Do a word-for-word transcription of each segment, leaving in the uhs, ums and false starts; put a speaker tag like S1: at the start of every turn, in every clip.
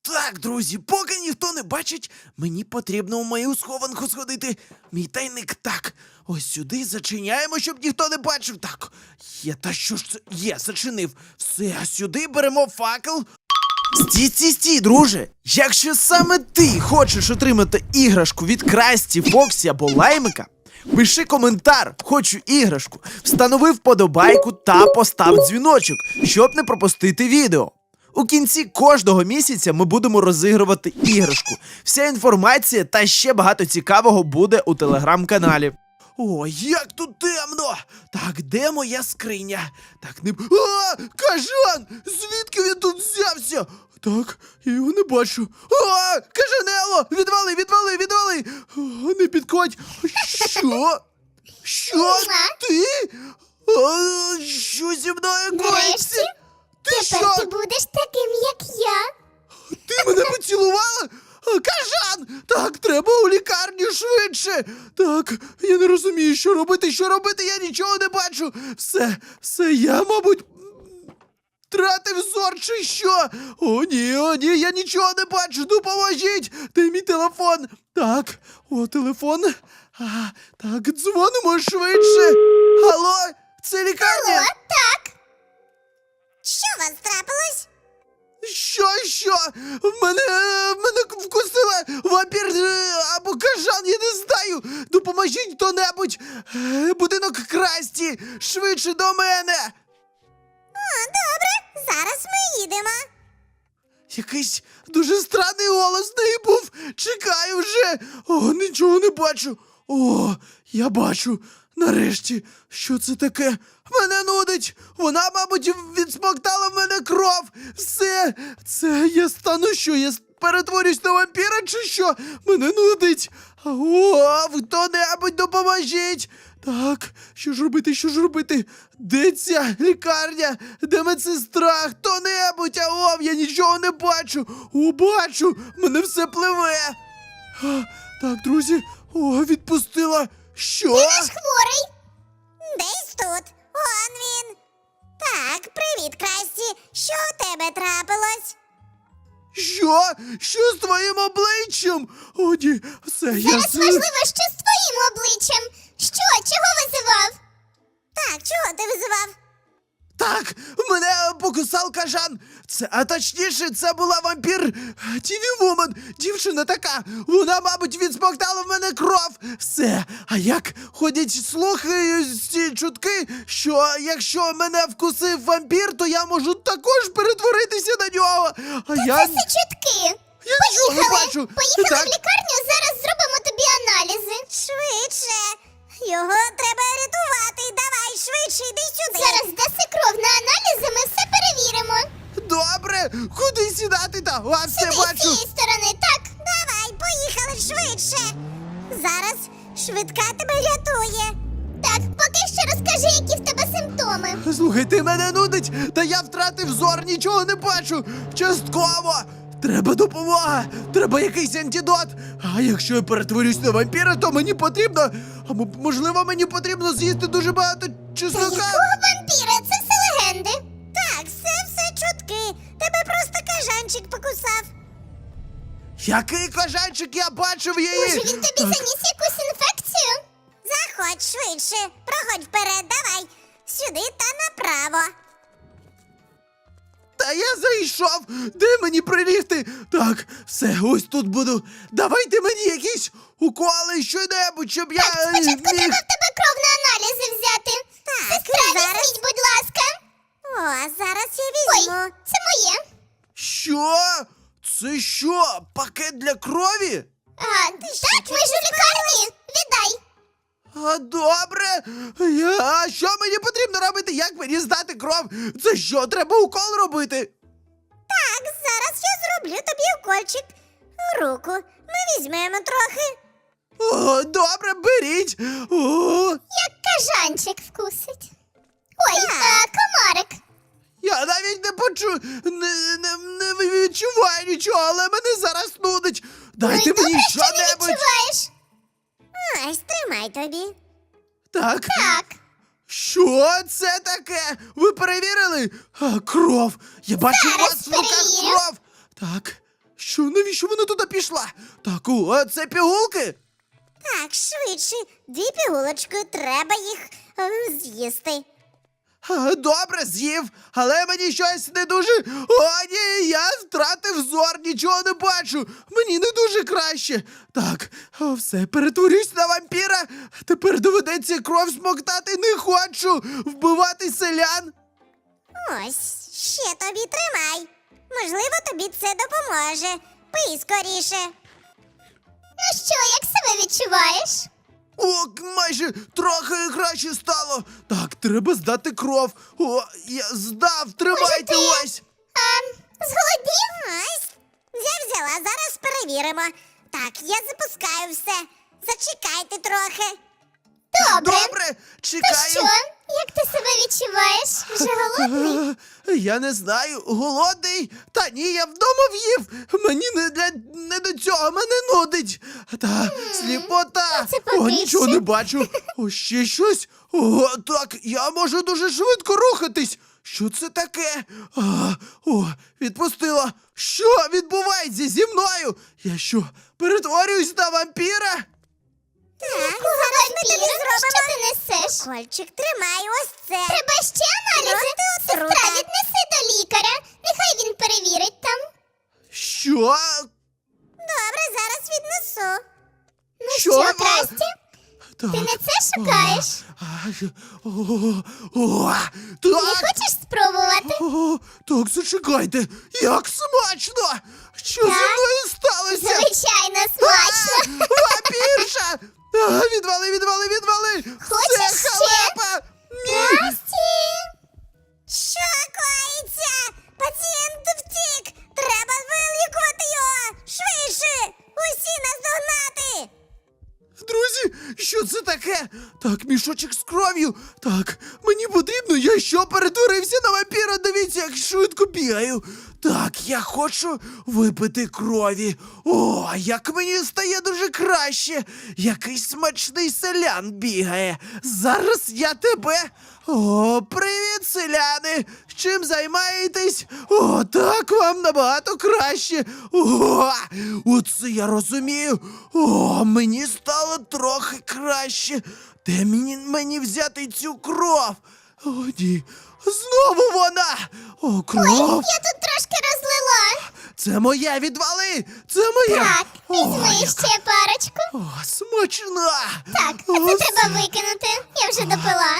S1: Так, друзі, поки ніхто не бачить, мені потрібно в мою схованку сходити. Мій тайник, так. Ось сюди зачиняємо, щоб ніхто не бачив. Так, є, та що ж це? Є, зачинив. Все, а сюди беремо факел. Стій, стій, стій, друже! Якщо саме ти хочеш отримати іграшку від Красті, Фоксі або Лаймика, пиши коментар «Хочу іграшку», встанови вподобайку та постав дзвіночок, щоб не пропустити відео. У кінці кожного місяця ми будемо розігрувати іграшку. Вся інформація та ще багато цікавого буде у телеграм-каналі. О, як тут темно! Так, де моя скриня? Так, не... А, кажан! Звідки він тут взявся? Так, я його не бачу. А, кажанело! Відвали, відвали, відвали! О, не підходь! Що? Що? Ти? А, що зі мною
S2: Нарешті,
S1: коїться? Ти
S2: тепер
S1: що?
S2: ти будеш таким, як я.
S1: Ти мене поцілувала? А, кажан! Так, треба у лікарню швидше! Так, я не розумію, що робити, що робити, я нічого не бачу! Все, все, я, мабуть, втратив зор чи що? О, ні, о, ні, я нічого не бачу, допоможіть! Де мій телефон? Так, о, телефон. А, так, дзвонимо швидше. Алло, це лікарня?
S2: О, так.
S3: Що у вас трапилось?
S1: Що, що? В мене, в мене вкусила вампір е, або кажан, я не знаю. Допоможіть хто-небудь. Е, Будинок Красті, швидше до мене.
S3: О, добре, зараз ми їдемо.
S1: Якийсь дуже странний голос в неї був. Чекаю вже. О, нічого не бачу. О, я бачу. Нарешті, що це таке? Мене нудить! Вона, мабуть, відсмоктала в мене кров! Все! Це я стану що? Я перетворюсь на вампіра чи що? Мене нудить! О, хто-небудь допоможіть! Так, що ж робити, що ж робити? Де ця лікарня? Де медсестра? Хто-небудь? Аов, я нічого не бачу! О, бачу! Мене все пливе! А, так, друзі, о, відпустила! Що?
S2: Ти наш хворий.
S3: Десь тут. Он він. Так, привіт, Красті. Що у тебе трапилось?
S1: Що? Що з твоїм обличчям? О, ні, все, я...
S2: Зараз
S1: з-
S2: важливо, що з твоїм обличчям. Що? Чого визивав?
S3: Так, чого ти визивав?
S1: Так, мене покусав кажан. Це, а точніше, це була вампір Тіві Вумен. Дівчина така. Вона, мабуть, відсмоктала в мене кров. Все. А як ходять слухи, ці чутки, що якщо мене вкусив вампір, то я можу також перетворитися на нього. А я...
S2: Це все чутки.
S1: Я нічого не
S2: Поїхали.
S1: бачу.
S2: Поїхали
S1: Так.
S2: в лікарню, зараз зробимо тобі аналізи.
S3: Швидше. Його треба рятувати. Давай, швидше, йди сюди.
S2: Зараз даси кров на аналізи, ми все перевіримо.
S1: Добре, куди сідати та? А, все
S2: Сюди, з
S1: бачу.
S2: цієї сторони, так.
S3: Давай, поїхали швидше. Зараз швидка тебе рятує.
S2: Так, поки що розкажи, які в тебе симптоми.
S1: Слухай, ти мене нудить, та я втратив зор, нічого не бачу. Частково. Треба допомога, треба якийсь антидот. А якщо я перетворюсь на вампіра, то мені потрібно, або можливо мені потрібно з'їсти дуже багато
S2: Та
S1: чеснока.
S2: якого вампіра? Це все легенди.
S3: Так, все, все чутки. Тебе просто кажанчик покусав.
S1: Який кажанчик, я бачив її.
S2: Може, він тобі
S1: Так,
S2: заніс якусь інфекцію?
S3: Заходь швидше. Проходь вперед, давай. Сюди та направо.
S1: Та я зайшов. Де мені прилігти? Так, все, ось тут буду. Давайте мені якісь уколи, що-небудь, щоб я... е,
S2: Спочатку
S1: міг-
S2: треба в тебе кров на аналізи взяти.
S3: Так,
S2: Сестра,
S3: зараз.
S2: візьміть, будь ласка.
S3: О, зараз я
S2: Ой,
S3: візьму.
S2: це моє.
S1: Що? Це що? Пакет для крові?
S2: А, так, ми ж у лікарні. Віддай.
S1: А добре. Я... А що мені потрібно робити? Як мені здати кров? Це що, треба укол робити?
S3: Так, зараз я зроблю тобі укольчик у руку. Ми візьмемо трохи.
S1: О, добре, беріть. О,
S2: Як кажанчик вкусить. Ой,
S3: Так.
S2: а, комарик.
S1: я навіть не почу... Не, не, не відчуваю нічого, але мене зараз нудить. Дайте
S2: ну, і
S1: мені
S2: добре, що не
S1: що-небудь.
S2: відчуваєш.
S3: Ось, тримай тобі.
S1: Так.
S2: Так.
S1: Що це таке? Ви перевірили? А, кров. Я бачу у
S2: Зараз
S1: вас в руках
S2: перевірю.
S1: кров. Так. Що, навіщо вона туди пішла? Так, о, це пігулки?
S3: Так, швидше. Дві пігулочки, треба їх ем, з'їсти.
S1: А, добре, з'їв, але мені щось не дуже. О, ні, я втратив зор, нічого не бачу. Мені не дуже краще. Так, о, все, перетворюсь на вампіра. Тепер доведеться кров смоктати. Не хочу вбивати селян.
S3: Ось, ще тобі тримай. Можливо, тобі це допоможе. Пий скоріше.
S2: Ну що, як себе відчуваєш?
S1: О, майже трохи краще стало. Так, треба здати кров. О, я здав, тримайте
S2: ти-
S1: ось.
S2: А, зголоднів?
S3: Ось. Я взяла, зараз перевіримо. Так, я запускаю все. Зачекайте трохи.
S2: Добре.
S1: Добре,
S2: То
S1: чекаю.
S2: що, як ти себе відчуваєш? Вже голодний?
S1: Е, Я не знаю, голодний. Та ні, я вдома в'їв. Мені не для не до цього, мене нудить. Та сліпота.
S2: це
S1: О,
S2: поки
S1: нічого
S2: що.
S1: не бачу. О, ще щось. О, так, я можу дуже швидко рухатись. Що це таке? А, о, відпустила. Що відбувається зі мною? Я що, перетворююсь на вампіра?
S3: Так,
S2: Кого
S3: зараз ми тобі
S2: вампіра? Що
S3: зробимо.
S2: ти несеш?
S3: Кольчик, тримай ось це.
S2: Треба ще аналізи?
S3: Проти
S2: Сестра,
S3: отрута.
S2: віднеси до лікаря. Нехай він перевірить там.
S1: Що?
S3: Добре, зараз віднесу.
S2: Ну
S1: Що?
S2: що,
S1: А,
S2: Красті?
S1: Так.
S2: Ти не це шукаєш?
S1: А, що- О, о,
S2: Не
S1: так.
S2: хочеш спробувати?
S1: О, так, зачекайте. Як смачно! Що зі
S2: Так.
S1: мною сталося?
S2: Звичайно, смачно.
S1: А, вампірша! А, відвали, відвали, відвали!
S2: Хочеш
S1: Це
S2: ще?
S1: халепа! Ні!
S2: Красті!
S3: Що коїться? Пацієнт втік. Треба вилікувати його. Швидше. Усі наздогнати.
S1: Друзі, що це таке? Так, мішочок з кров'ю. Так, мені потрібно, я що перетворився на вампіра? Дивіться, як швидко бігаю. Так, я хочу випити крові. О, як мені стає дуже краще. Якийсь смачний селян бігає. Зараз я тебе. О, привіт, селяни! Чим займаєтесь? О, так вам набагато краще. О, оце я розумію. О, мені стало трохи краще. Де мені, мені взяти цю кров? О, ні. Знову вона! О, кров!
S2: Я тут трошки розлила.
S1: Це моя, відвали! Це моя!
S2: Так,
S1: О,
S2: візьми
S1: яка-
S2: ще парочку.
S1: О, смачна!
S2: Так, а
S1: О,
S2: це треба викинути. Я вже допила.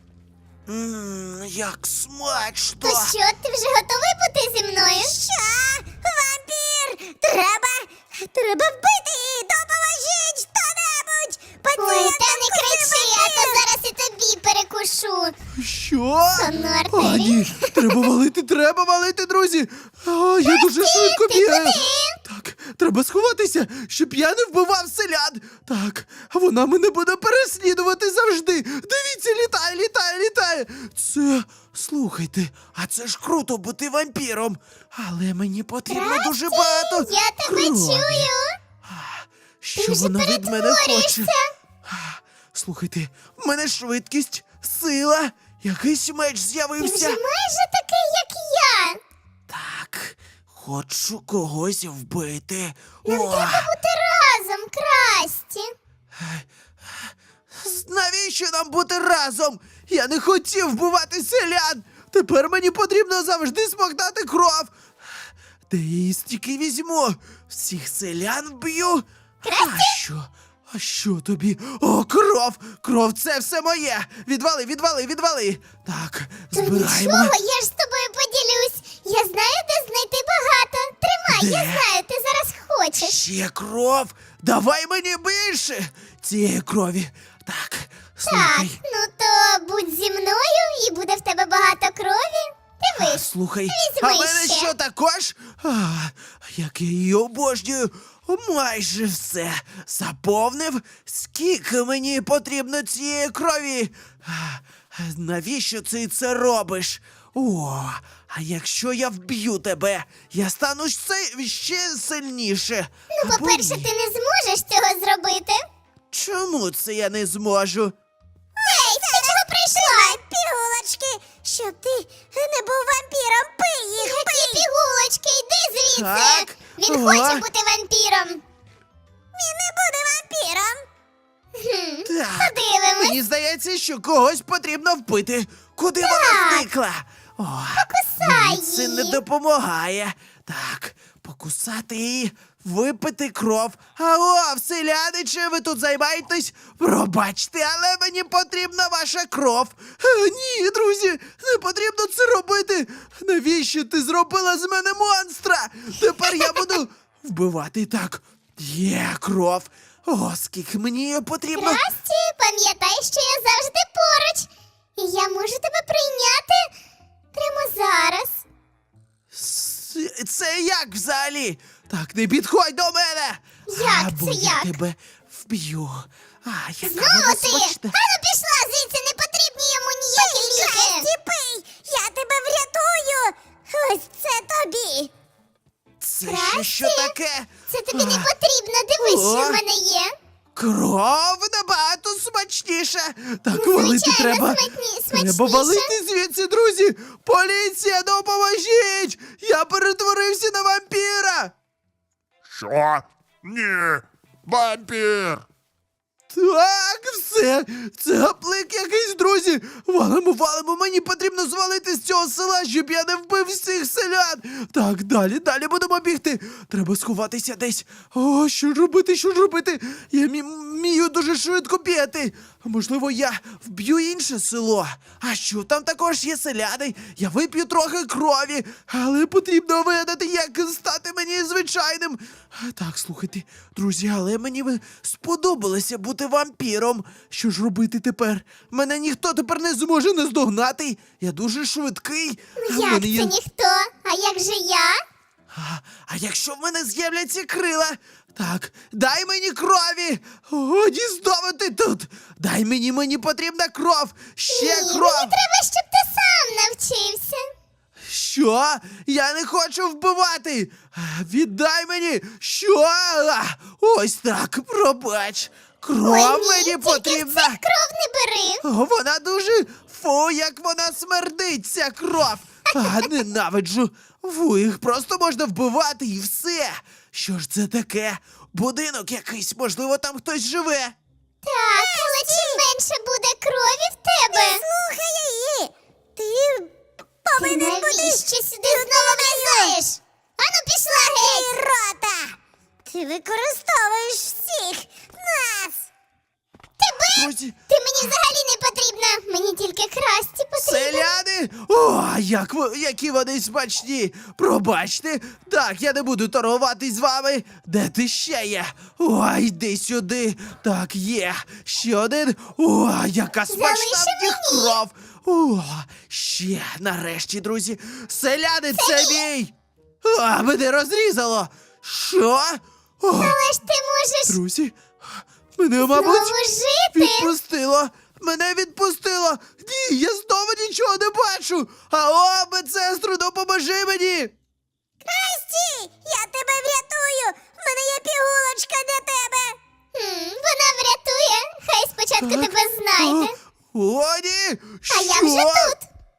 S1: М, як смачно!
S2: То що, ти вже готовий бути зі мною?
S3: Що? Вампір! Треба. Треба вбити її. Допоможіть хто-небудь.
S2: Ой,
S3: Пацієнт
S2: та не кричи, а то зараз і тобі перекушу.
S1: Що?
S2: Сонну
S1: А,
S2: артерію.
S1: ні, треба валити, треба валити, друзі! О, я дуже швидко
S2: ти
S1: бігаю.
S2: куди?
S1: Так, треба сховатися, щоб я не вбивав селян. Так, вона мене буде переслідувати завжди. Дивіться, літає, літає, літає. Це, слухайте, а це ж круто бути вампіром. Але мені потрібно дуже багато.
S2: Я тебе
S1: крові.
S2: чую.
S1: Що
S2: Ти вже
S1: вона від мене хоче?
S2: перетворюєшся.
S1: А, Слухайте, в мене швидкість, сила, якийсь меч
S2: Ти вже
S1: з'явився.
S2: майже такий, як я.
S1: Так, хочу когось вбити.
S2: Нам
S1: О,
S2: треба бути разом, Красті.
S1: з- навіщо нам бути разом? Я не хотів вбивати селян. Тепер мені потрібно завжди смоктати кров. Де я її стільки візьму? Всіх селян вб'ю? А що? А що тобі? О, кров! Кров, це все моє! Відвали, відвали, відвали! Так,
S2: То
S1: збираємо.
S2: нічого, я ж з тобою поділюсь. Я знаю, де знайти багато. Тримай, я
S1: Де?
S2: знаю, ти зараз хочеш.
S1: Ще кров! Давай мені більше цієї крові. Так,
S2: Так,
S1: слухай.
S2: ну то будь зі мною і буде в тебе багато крові.
S1: А,
S2: Дивись.
S1: слухай,
S2: візьми
S1: а мене
S2: ще.
S1: що також? А, як я її обожнюю. Майже все заповнив. Скільки мені потрібно цієї крові? А, навіщо ти це робиш? О, а якщо я вб'ю тебе, я стану ще, ще сильніше.
S2: Ну,
S1: Або
S2: по-перше,
S1: ні.
S2: ти не зможеш цього зробити.
S1: Чому це я не зможу?
S2: Ей, ти чого прийшла?
S3: Пігулочки, щоб ти не був вампіром. Пий їх.
S2: Які пігулочки, йди звідси.
S1: Так,
S2: Він
S1: Ага.
S2: хоче бути вампіром.
S3: Він не буде вампіром.
S2: Хм,
S1: Так,
S2: подивимось.
S1: мені здається, що когось потрібно вбити. Куди вона зникла? О,
S2: Покусай
S1: мені це не
S2: її.
S1: допомагає. Так, покусати її, випити кров. Алло, вселяниче, ви тут займаєтесь? Пробачте, але мені потрібна ваша кров. Е, Ні, друзі, не потрібно це робити. Навіщо ти зробила з мене монстра? Тепер я буду вбивати. Так, є кров. О, скільки мені її потрібно.
S2: Красті, пам'ятай, що я завжди поруч. І я можу тебе прийняти прямо зараз.
S1: С- Це як взагалі? Так, не підходь до мене!
S2: Як
S1: Або
S2: це
S1: я
S2: як?
S1: тебе вб'ю. А, яка
S2: Знову
S1: вона
S2: ти!
S1: смачна.
S2: Ану пішла звідси, не потрібні йому ніякі ліки.
S3: Красті, пий! Я тебе врятую! Ось це тобі!
S1: Це ще
S2: Красті?
S1: що таке?
S2: Це тобі не
S1: А,
S2: потрібно, дивись,
S1: О.
S2: що в мене є.
S1: Кров набагато смачніша. Так, валити
S2: звичайно,
S1: треба.
S2: смачні-
S1: Треба
S2: смачніше.
S1: валити звідси, друзі! Поліція, допоможіть! Я перетворився на вампіра!
S4: Що? Ні. Вампір.
S1: Так, все, це гаплик якийсь, друзі. Валимо, валимо, мені потрібно звалити з цього села, щоб я не вбив всіх селян. Так, далі, далі будемо бігти. Треба сховатися десь. О, що ж робити, що ж робити? Я мі- вмію дуже швидко бігати. Можливо, я вб'ю інше село. А що, там також є селяни. Я вип'ю трохи крові, але потрібно вигадати, як стати мені звичайним. Так, слухайте, друзі, але мені ви сподобалося бути вампіром. Що ж робити тепер? Мене ніхто тепер не зможе наздогнати. Я дуже швидкий. А в
S2: Як
S1: мене
S2: це
S1: є-
S2: ніхто? А як же я?
S1: а, а якщо в мене з'являться крила? Так, дай мені крові! О, знову ти тут! Дай мені, мені потрібна кров! Ще
S2: Ні,
S1: кров!
S2: мені треба, щоб ти сам навчився.
S1: Що? Я не хочу вбивати! А, Віддай мені! Що? А, Ось так, пробач! Кров
S2: Ой, ні,
S1: мені
S2: тільки
S1: потрібна!
S2: в цих кров не бери.
S1: О, вона дуже. Фу, як вона смердить, ця кров! А, ненавиджу! Фу, їх просто можна вбивати і все! Що ж це таке? Будинок якийсь, можливо, там хтось живе.
S2: Так, але чим менше буде крові в тебе,
S3: Слухай її! Ти
S2: ти
S3: повинен бути...
S2: навіщо сюди знову влізаєш? Ану пішла геть!
S3: Ей, рота! Ти використовуєш всіх нас!
S2: Тебе?
S1: Друзі,
S2: Ти мені взагалі не потрібна. Мені тільки красті потрібно.
S1: селяни! О, як ви, які вони смачні! Пробачте, так, я не буду торгувати з вами. Де ти ще є? Ой, йди сюди. Так, є. Ще один. О, яка смачна
S2: Залиши
S1: в них
S2: мені.
S1: кров. О, ще, нарешті, друзі. Selяни, це мій! А, мене розрізало. Що? О,
S2: Але ж ти можеш
S1: друзі, мене, мабуть,
S2: знову жити.
S1: відпустило! Мене відпустило! Ні, я знову нічого не бачу! Алло, медсестру, допоможи мені!
S3: Красті! Я тебе врятую! В мене є пігулочка для тебе!
S2: Хм, вона врятує. Хай спочатку тебе знайде.
S1: О, ні!
S2: А я
S1: Що?
S2: вже тут.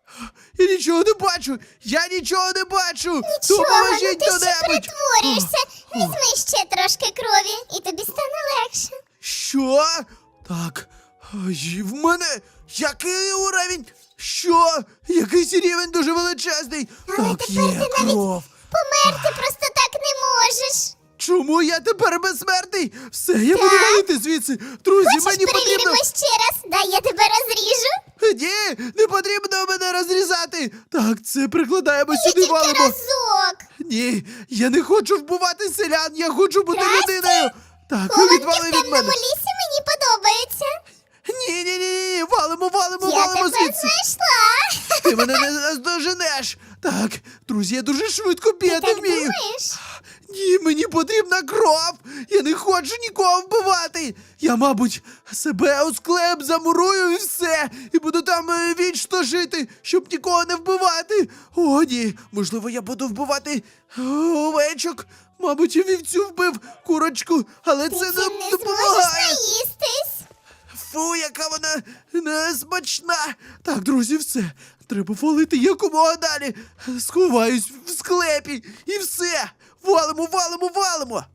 S1: Я нічого не бачу! Я нічого не бачу!
S2: Нічого, ну
S1: Допоможіть
S2: ти ще
S1: хто-небудь!
S2: перетворюєшся. Візьми ще трошки крові, і тобі стане легше.
S1: Що? Так, ай, в мене який уровень? Що? Якийсь рівень дуже величезний.
S2: Але
S1: так,
S2: тепер
S1: є
S2: ти навіть
S1: кров.
S2: померти просто так не можеш.
S1: Чому я тепер безсмертний? Все, я буду
S2: Так.
S1: валити звідси. Друзі,
S2: Хочеш,
S1: мені
S2: перевіримо
S1: потрібно.
S2: ще раз? Дай я тебе розріжу.
S1: Ні, не потрібно мене розрізати. Так, це прикладаємо
S2: Я
S1: сюди,
S2: тільки
S1: валимо.
S2: разок.
S1: Ні, я не хочу вбивати селян, я хочу бути
S2: Красті?
S1: людиною. Так,
S2: Хованки
S1: відвали
S2: в
S1: від
S2: темному
S1: мене.
S2: лісі мені подобаються.
S1: Ні, ні, ні, ні, валимо, валимо,
S2: Я
S1: валимо
S2: тебе
S1: звідси.
S2: знайшла.
S1: Ти мене не наздоженеш. Так, друзі, я дуже швидко
S2: Ти
S1: бігати
S2: так
S1: вмію.
S2: думаєш?
S1: Ні, мені потрібна кров! Я не хочу нікого вбивати! Я, мабуть, себе у склеп замурую і все, і буду там е, вічно жити, щоб нікого не вбивати. О, ні, можливо, я буду вбивати е, овечок. Мабуть, я вівцю вбив курочку, але
S2: Ти
S1: це
S2: цим не
S1: не
S2: зможеш
S1: допомагає.
S2: наїстись.
S1: Фу, яка вона несмачна. Так, друзі, все. Треба валити якомога далі. Сховаюсь в склепі і все. Валимо, валимо, валимо!